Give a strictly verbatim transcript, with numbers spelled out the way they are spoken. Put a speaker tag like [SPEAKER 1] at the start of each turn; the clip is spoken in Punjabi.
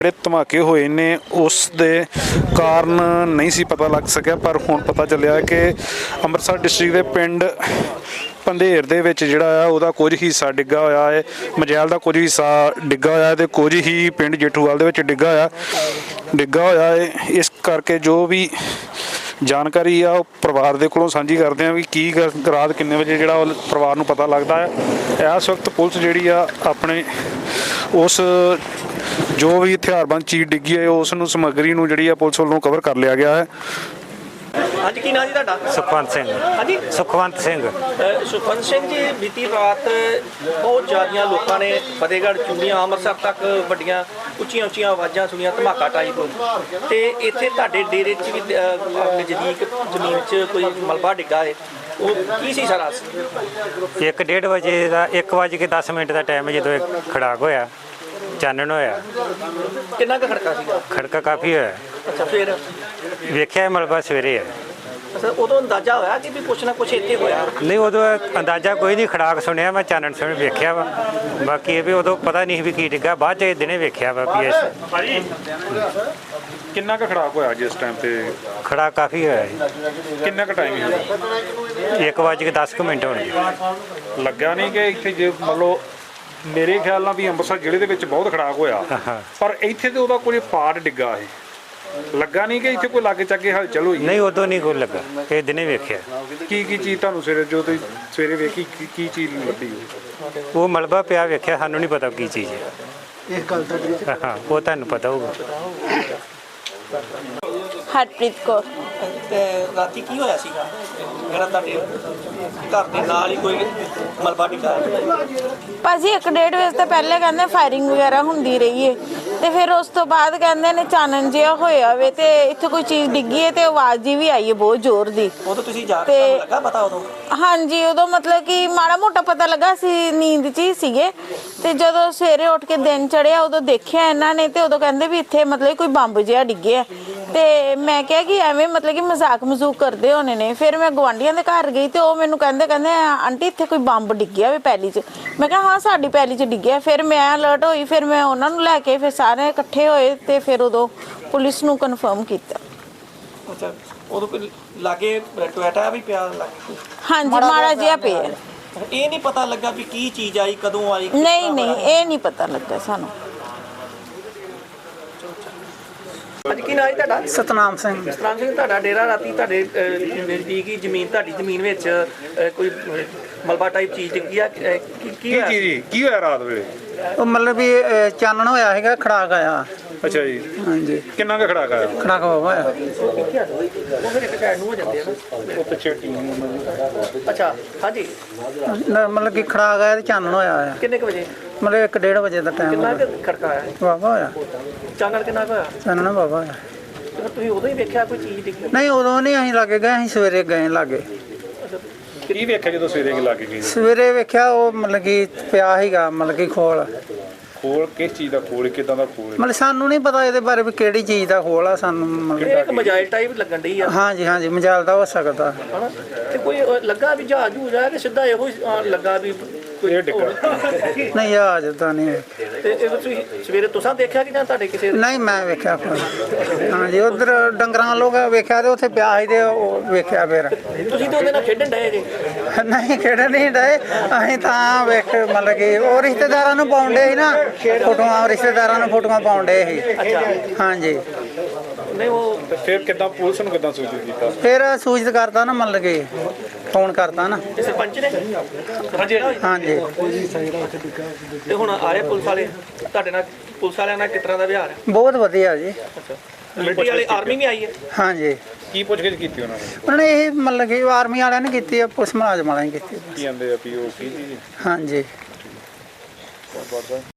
[SPEAKER 1] ਜਿਹੜੇ ਧਮਾਕੇ ਹੋਏ ਨੇ ਉਸ ਦੇ ਕਾਰਨ ਨਹੀਂ ਸੀ ਪਤਾ ਲੱਗ ਸਕਿਆ, ਪਰ ਹੁਣ ਪਤਾ ਚੱਲਿਆ ਕਿ ਅੰਮ੍ਰਿਤਸਰ ਡਿਸਟ੍ਰਿਕਟ ਦੇ ਪਿੰਡ ਪੰਧੇਰ ਦੇ ਵਿੱਚ ਜਿਹੜਾ ਆ ਉਹਦਾ ਕੁਝ ਹਿੱਸਾ ਡਿੱਗਾ ਹੋਇਆ ਹੈ, ਮਜੈਲ ਦਾ ਕੁਝ ਹਿੱਸਾ ਡਿੱਗਾ ਹੋਇਆ ਤੇ ਕੁਝ ਹੀ ਪਿੰਡ ਜੇਠੂਵਾਲ ਦੇ ਵਿੱਚ ਡਿੱਗਾ ਹੋਇਆ ਡਿੱਗਾ ਹੋਇਆ ਹੈ। ਇਸ ਕਰਕੇ ਜੋ ਵੀ ਜਾਣਕਾਰੀ ਆ ਉਹ ਪਰਿਵਾਰ ਦੇ ਕੋਲੋਂ ਸਾਂਝੀ ਕਰਦੇ ਆ ਵੀ ਕੀ ਰਾਤ ਕਿੰਨੇ ਵਜੇ ਜਿਹੜਾ ਉਹ ਪਰਿਵਾਰ ਨੂੰ ਪਤਾ ਲੱਗਦਾ ਹੈ। ਇਸ ਵਕਤ ਪੁਲਿਸ ਜਿਹੜੀ ਆ ਆਪਣੇ ਉਸ ਜੋ ਵੀ ਹਥਿਆਰਬੰਦ ਚੀਜ਼ ਡਿੱਗੀ ਹੈ ਉਸ ਨੂੰ ਸਮੱਗਰੀ ਨੂੰ ਜਿਹੜੀ ਆ ਪੁਲਿਸ ਵੱਲੋਂ ਕਵਰ ਕਰ ਲਿਆ ਗਿਆ ਹੈ।
[SPEAKER 2] ਅੱਜ ਕੀ ਨਾਂ ਜੀ ਤੁਹਾਡਾ?
[SPEAKER 3] ਸੁਖਵੰਤ ਸਿੰਘ।
[SPEAKER 2] ਹਾਂਜੀ,
[SPEAKER 3] ਸੁਖਵੰਤ ਸਿੰਘ।
[SPEAKER 2] ਸੁਖਵੰਤ ਸਿੰਘ ਜੀ, ਬੀਤੀ ਰਾਤ ਬਹੁਤ ਜ਼ਿਆਦੀਆਂ ਲੋਕਾਂ ਨੇ ਫਤਿਹਗੜ੍ਹ ਚੂੜੀਆਂ ਅੰਮ੍ਰਿਤਸਰ ਤੱਕ ਵੱਡੀਆਂ ਉੱਚੀਆਂ ਉੱਚੀਆਂ ਆਵਾਜ਼ਾਂ ਸੁਣੀਆਂ ਧਮਾਕਾ ਟਾਈਪ, ਤੇ ਇੱਥੇ ਤੁਹਾਡੇ ਡੇਰੇ 'ਚ ਵੀ ਨਜ਼ਦੀਕ ਜ਼ਮੀਨ 'ਚ ਕੋਈ ਮਲਬਾ ਡਿੱਗਾ ਹੈ, ਉਹ ਕੀ ਸੀ ਸਾਰਾ?
[SPEAKER 3] ਇੱਕ ਡੇਢ ਵਜੇ ਦਾ ਇੱਕ ਵਜ ਕੇ ਦਸ ਮਿੰਟ ਦਾ ਟਾਈਮ ਜਦੋਂ ਇਹ ਖੜਾਕ ਹੋਇਆ, ਚਾਨਣ ਹੋਇਆ।
[SPEAKER 2] ਕਿੰਨਾ ਕੁ ਖੜਕਾ ਸੀਗਾ?
[SPEAKER 3] ਖੜਕਾ ਕਾਫੀ ਹੋਇਆ।
[SPEAKER 2] ਅੱਛਾ, ਫਿਰ
[SPEAKER 3] ਵੇਖਿਆ ਮਲਬਾ ਸਵੇਰੇ ਹੈ।
[SPEAKER 2] ਅੱਛਾ, ਉਦੋਂ ਅੰਦਾਜ਼ਾ ਹੋਇਆ ਕਿ ਵੀ ਕੁਛ ਨਾ ਕੁਛ ਇੱਥੇ ਹੋਇਆ?
[SPEAKER 3] ਨਹੀਂ, ਉਦੋਂ ਅੰਦਾਜ਼ਾ ਕੋਈ ਨਹੀਂ, ਖੜਾਕ ਸੁਣਿਆ ਮੈਂ, ਚਾਨਣ ਸੁਣ ਵੇਖਿਆ ਵਾ। ਬਾਕੀ ਇਹ ਵੀ ਉਦੋਂ ਪਤਾ ਨਹੀਂ ਵੀ ਕੀ ਡਿੱਗਾ, ਬਾਅਦ 'ਚ ਦਿਨੇ ਵੇਖਿਆ ਵਾ ਵੀ ਇਸ
[SPEAKER 1] ਕਿੰਨਾ ਕੁ ਖੜਾਕ ਹੋਇਆ ਜਿਸ ਟਾਈਮ ਤੇ?
[SPEAKER 3] ਖੜਾਕ ਕਾਫੀ ਹੋਇਆ ਜੀ।
[SPEAKER 1] ਕਿੰਨਾ ਕੁ ਟਾਈਮ ਹੋਇਆ?
[SPEAKER 3] ਇੱਕ ਵਜ ਕੇ ਦਸ ਕੁ ਮਿੰਟ ਹੋਣਗੇ।
[SPEAKER 1] ਲੱਗਿਆ ਨਹੀਂ ਕਿ ਇੱਥੇ ਜੇ ਮੰਨ ਲਓ ਮੇਰੇ ਖਿਆਲ ਨਾਲ ਵੀ ਅੰਮ੍ਰਿਤਸਰ ਜ਼ਿਲ੍ਹੇ ਦੇ ਵਿੱਚ ਬਹੁਤ ਖੜਾਕ ਹੋਇਆ, ਪਰ ਇੱਥੇ ਤੇ ਉਹਦਾ ਕੋਈ ਪਾਰਟ ਡਿੱਗਾ ਹੈ, ਲੱਗਾ ਨਹੀਂ ਕਿ ਇੱਥੇ ਕੋਈ ਲਾਗੇ ਚਾਗੇ ਹਲਚਲ ਹੋਈ?
[SPEAKER 3] ਨਹੀਂ, ਉਦੋਂ ਨਹੀਂ ਕੋਈ ਲੱਗਾ, ਇਹ ਦਿਨੇ ਵੇਖਿਆ।
[SPEAKER 1] ਕੀ ਕੀ ਚੀਜ਼ ਤੁਹਾਨੂੰ ਸਵੇਰੇ ਜੋ ਤੁਸੀਂ ਸਵੇਰੇ ਵੇਖੀ ਕੀ ਕੀ ਚੀਜ਼ ਲੱਭੀ?
[SPEAKER 3] ਉਹ ਮਲਬਾ ਪਿਆ ਵੇਖਿਆ, ਸਾਨੂੰ ਨਹੀਂ ਪਤਾ ਕੀ ਚੀਜ਼ ਹੈ।
[SPEAKER 2] ਇਸ ਗੱਲ ਦਾ
[SPEAKER 3] ਹਾਂ, ਉਹ ਤੁਹਾਨੂੰ ਪਤਾ ਹੋਊਗਾ।
[SPEAKER 4] ਹਰਪ੍ਰੀਤ ਕੌਰ।
[SPEAKER 2] ਤੇ ਰਾਤੀ ਕੀ ਹੋਇਆ ਸੀਗਾ ਜਿਹੜਾ ਤੁਹਾਡੇ ਘਰ ਦੇ ਨਾਲ ਹੀ ਕੋਈ ਮਲਬਾ ਡਿੱਗਾ?
[SPEAKER 4] ਭਾਜੀ ਇੱਕ ਡੇਢ ਵਜੇ ਤੋਂ ਪਹਿਲੇ ਕਹਿੰਦੇ ਫਾਇਰਿੰਗ ਵਗੈਰਾ ਹੁੰਦੀ ਰਹੀ ਹੈ, ਤੇ ਫਿਰ ਉਸ ਤੋਂ ਬਾਅਦ ਕਹਿੰਦੇ ਨੇ ਚਾਨਣ ਜਿਹਾ ਹੋਇਆ ਵੇ ਤੇ ਇੱਥੇ ਕੋਈ ਚੀਜ਼ ਡਿੱਗੀ ਹੈ ਤੇ ਆਵਾਜ਼ ਜੀ ਵੀ ਆਈ ਹੈ ਬਹੁਤ ਜ਼ੋਰ ਦੀ।
[SPEAKER 2] ਉਦੋਂ ਤੁਸੀਂ ਜਾ ਕੇ ਤੁਹਾਨੂੰ ਲੱਗਾ ਪਤਾ ਉਦੋਂ?
[SPEAKER 4] ਹਾਂਜੀ, ਉਦੋਂ ਮਤਲਬ ਕਿ ਮਾੜਾ ਮੋਟਾ ਪਤਾ ਲੱਗਾ ਸੀ, ਨੀਂਦ 'ਚ ਹੀ ਸੀਗੇ, ਤੇ ਜਦੋਂ ਸਵੇਰੇ ਉੱਠ ਕੇ ਦਿਨ ਚੜਿਆ ਉਦੋਂ ਦੇਖਿਆ ਇਹਨਾਂ ਨੇ, ਤੇ ਉਦੋਂ ਕਹਿੰਦੇ ਵੀ ਇੱਥੇ ਮਤਲਬ ਕੋਈ ਬੰਬ ਜਿਹਾ ਡਿੱਗਿਆ, ਤੇ ਮੈਂ ਕਿਹਾ ਕਿ ਐਵੇਂ ਮਤਲਬ ਕਿ ਮਜ਼ਾਕ ਮਜ਼ੂਕ ਕਰਦੇ ਹੋਣੇ ਨੇ। ਫਿਰ ਮੈਂ ਗੁਆਂਢੀਆਂ ਦੇ ਘਰ ਗਈ ਤੇ ਉਹ ਮੈਨੂੰ ਕਹਿੰਦੇ ਕਹਿੰਦੇ ਆਂਟੀ ਇੱਥੇ ਕੋਈ ਬੰਬ ਡਿੱਗਿਆ ਵੇ ਪੈਲੀ 'ਚ। ਮੈਂ ਕਿਹਾ ਹਾਂ ਸਾਡੀ ਪੈਲੀ 'ਚ ਡਿੱਗਿਆ। ਫਿਰ ਮੈਂ ਅਲਰਟ ਹੋਈ, ਫਿਰ ਮੈਂ ਉਹਨਾਂ ਨੂੰ ਲੈ ਕੇ ਫਿਰ ਸਾਰੇ ਇਕੱਠੇ ਹੋਏ ਤੇ ਫਿਰ ਉਦੋਂ ਪੁਲਿਸ ਨੂੰ ਕਨਫਰਮ ਕੀਤਾ।
[SPEAKER 2] ਅੱਛਾ, ਉਦੋਂ ਕੋਈ ਲਾਗੇ ਟੋਇਟਾ ਵੀ ਪਿਆ ਲਾਗੇ?
[SPEAKER 4] ਹਾਂਜੀ, ਮਾੜਾ ਜਿਹਾ ਪਿਆ।
[SPEAKER 2] ਇਹ ਨਹੀਂ ਪਤਾ ਲੱਗਾ ਵੀ ਕੀ ਚੀਜ਼ ਆਈ, ਕਦੋਂ ਆਈ?
[SPEAKER 4] ਨਹੀਂ ਨਹੀਂ, ਇਹ ਨਹੀਂ ਪਤਾ ਲੱਗਾ ਸਾਨੂੰ।
[SPEAKER 2] ਅੱਜ ਕੀ ਨਾਂ ਹੈ ਤੁਹਾਡਾ?
[SPEAKER 5] ਸਤਨਾਮ ਸਿੰਘ।
[SPEAKER 2] ਸਤਨਾਮ ਸਿੰਘ, ਤੁਹਾਡਾ ਡੇਰਾ ਰਾਤੀ ਤੁਹਾਡੇ ਨਜ਼ਦੀਕ ਹੀ ਜ਼ਮੀਨ ਤੁਹਾਡੀ ਜ਼ਮੀਨ ਵਿੱਚ ਅਹ, ਕੋਈ ਮਲਬਾ ਟਾਈਪ ਚੀਜ਼ ਡਿੱਗੀ ਆ, ਅਹ, ਕੀ ਕੀ ਹੋਇਆ?
[SPEAKER 1] ਕੀ ਕੀ ਹੋਇਆ ਰਾਤ ਵੇਲੇ?
[SPEAKER 5] ਉਹ ਮਤਲਬ ਵੀ ਅਹ, ਚਾਨਣ ਹੋਇਆ ਹੈਗਾ, ਖੜਾਕ ਆਇਆ।
[SPEAKER 1] ਅੱਛਾ ਜੀ,
[SPEAKER 5] ਹਾਂਜੀ,
[SPEAKER 1] ਕਿੰਨਾ ਕੁ ਖੜਾਕ ਆਇਆ?
[SPEAKER 5] ਖੜਾਕ ਹੋਇਆ।
[SPEAKER 2] ਉਹ ਫਿਰ ਇੱਕ ਸਾਈਡ ਨੂੰ ਹੋ ਜਾਂਦੇ ਆ ਨਾ।
[SPEAKER 1] ਉਹ ਪਿੱਛੇ
[SPEAKER 2] ਅੱਛਾ, ਹਾਂਜੀ,
[SPEAKER 5] ਨਾ, ਮਤਲਬ ਕਿ ਖੜਾਕ ਆਇਆ ਤੇ ਚਾਨਣ ਹੋਇਆ ਆ।
[SPEAKER 2] ਕਿੰਨੇ ਕੁ ਵਜੇ?
[SPEAKER 5] ਮਤਲਬ ਇੱਕ ਡੇਢ ਵਜੇ ਦਾ ਟਾਈਮ
[SPEAKER 2] ਕਿੰਨਾ ਕੁ ਖੜਕਾ ਆਇਆ?
[SPEAKER 5] ਵਾਵਾ ਹੋਇਆ,
[SPEAKER 2] ਚਾਨਣ ਕਿੰਨਾ ਕੁ ਹੋਇਆ?
[SPEAKER 5] ਚਾਨਣ ਵਾਵਾ ਹੋਇਆ।
[SPEAKER 2] ਤੇ ਫਿਰ ਤੁਸੀਂ ਉਦੋਂ ਹੀ ਵੇਖਿਆ ਕੋਈ ਚੀਜ਼ ਡਿੱਗੀ?
[SPEAKER 5] ਨਹੀਂ, ਉਦੋਂ ਨਹੀਂ ਅਸੀਂ ਲਾਗੇ ਗਏ, ਅਸੀਂ ਸਵੇਰੇ ਗਏ ਲਾਗੇ।
[SPEAKER 1] ਕੀ ਵੇਖਿਆ ਜਦੋਂ ਸਵੇਰੇ ਕੀ ਲੱਗ ਗਈ?
[SPEAKER 5] ਸਵੇਰੇ ਵੇਖਿਆ ਉਹ ਮਤਲਬ ਕਿ ਪਿਆ ਸੀਗਾ, ਮਤਲਬ ਕਿ ਖੋਲ
[SPEAKER 1] ਖੋਲ ਕਿਸ ਚੀਜ਼ ਦਾ ਖੋਲ, ਕਿਦਾਂ ਦਾ ਖੋਲ?
[SPEAKER 5] ਮਤਲਬ ਸਾਨੂੰ ਨਹੀਂ ਪਤਾ ਇਹਦੇ ਬਾਰੇ ਵੀ ਕਿਹੜੀ ਚੀਜ਼ ਦਾ ਖੋਲ ਆ, ਸਾਨੂੰ
[SPEAKER 2] ਇਹ
[SPEAKER 5] ਮਤਲਬ
[SPEAKER 2] ਇੱਕ ਮਜਾਇਲ ਟਾਈਪ ਲੱਗਣ ਡਈ ਆ।
[SPEAKER 5] ਹਾਂਜੀ ਹਾਂਜੀ, ਮਜਾਲ ਦਾ ਹੋ ਸਕਦਾ।
[SPEAKER 2] ਹਨਾ, ਤੇ ਕੋਈ ਉਹ ਲੱਗਾ ਵੀ ਜਹਾਜ਼ ਜੂਜ ਆ ਕਿ ਸਿੱਧਾ ਇਹੋ ਹੀ ਅਹ, ਲੱਗਾ ਵੀ ਕੋਈ
[SPEAKER 1] ਇਹ ਡਿੱਗਾ?
[SPEAKER 5] ਨਹੀਂ, ਆ ਜਦਾਂ ਨਹੀਂ।
[SPEAKER 2] ਤੇ ਇਹ ਤੁਸੀਂ ਸਵੇਰੇ ਤੁਸੀਂ ਦੇਖਿਆ ਕਿ ਜਾਂ ਤੁਹਾਡੇ ਕਿਸੇ?
[SPEAKER 5] ਨਹੀਂ, ਮੈਂ ਵੇਖਿਆ ਕੋਈ। ਹਾਂਜੀ, ਉਧਰ ਡੰਗਰਾਂ ਲੋਕ ਵੇਖਿਆ ਤੇ ਉੱਥੇ ਪਿਆ ਸੀ ਤੇ ਉਹ ਵੇਖਿਆ। ਫਿਰ
[SPEAKER 2] ਤੁਸੀਂ ਤੇ ਉਹਦੇ ਨਾਲ ਖੇਡਣ ਡਏ ਜੇ?
[SPEAKER 5] ਨਹੀਂ, ਖੇਡ ਨਹੀਂ ਡਏ ਅਸੀਂ ਤਾਂ ਵੇਖ, ਮਤਲਬ ਕਿ ਉਹ ਰਿਸ਼ਤੇਦਾਰਾਂ ਨੂੰ ਪਾਉਂਦੇ ਸੀ ਨਾ ਫੋਟੋਆਂ, ਰਿਸ਼ਤੇਦਾਰਾਂ ਨੂੰ ਫੋਟੋਆਂ ਪਾਉਂਦੇ ਸੀ। ਹਾਂਜੀ,
[SPEAKER 2] ਨਹੀਂ ਉਹ
[SPEAKER 1] ਫਿਰ ਕਿਦਾਂ ਪੁਲਿਸ ਨੂੰ ਕਿਦਾਂ ਸੂਚਿਤ ਕੀਤਾ?
[SPEAKER 5] ਫਿਰ ਸੂਚਿਤ ਕਰਤਾ ਨਾ, ਮਤਲਬ ਕਿ ਫੋਨ ਕਰਤਾ ਨਾ।
[SPEAKER 2] ਇਹ ਸਰਪੰਚ ਨੇ?
[SPEAKER 5] ਹਾਂਜੀ,
[SPEAKER 2] ਤੇ ਹੁਣ ਆਏ ਪੁਲਿਸ ਵਾਲੇ ਤੁਹਾਡੇ ਨਾਲ? ਪੁਲਿਸ ਵਾਲਿਆਂ ਨਾਲ ਕਿਸ ਤਰ੍ਹਾਂ ਦਾ ਵਿਹਾਰ ਹੈ?
[SPEAKER 5] ਬਹੁਤ ਵਧੀਆ ਜੀ।
[SPEAKER 2] ਅੱਛਾ, ਮਿਲਟਰੀ ਵਾਲੇ ਆਰਮੀ ਵੀ ਆਈ ਹੈ?
[SPEAKER 5] ਹਾਂਜੀ,
[SPEAKER 1] ਕੀ ਪੁੱਛਗਿੱਛ ਕੀਤੀ ਉਹਨਾਂ ਨੇ?
[SPEAKER 5] ਉਹਨਾਂ ਨੇ ਇਹ ਮਤਲਬ ਕਿ ਆਰਮੀ ਵਾਲਿਆਂ ਨੇ ਕੀਤੀ ਆ, ਪੁਲਿਸ ਮੁਲਾਜ਼ਮ ਵਾਲਿਆਂ ਨੇ ਕੀਤੀ।
[SPEAKER 1] ਕੀ ਕਹਿੰਦੇ ਆ ਵੀ ਉਹ ਕੀ ਚੀਜ਼?
[SPEAKER 5] ਹਾਂਜੀ।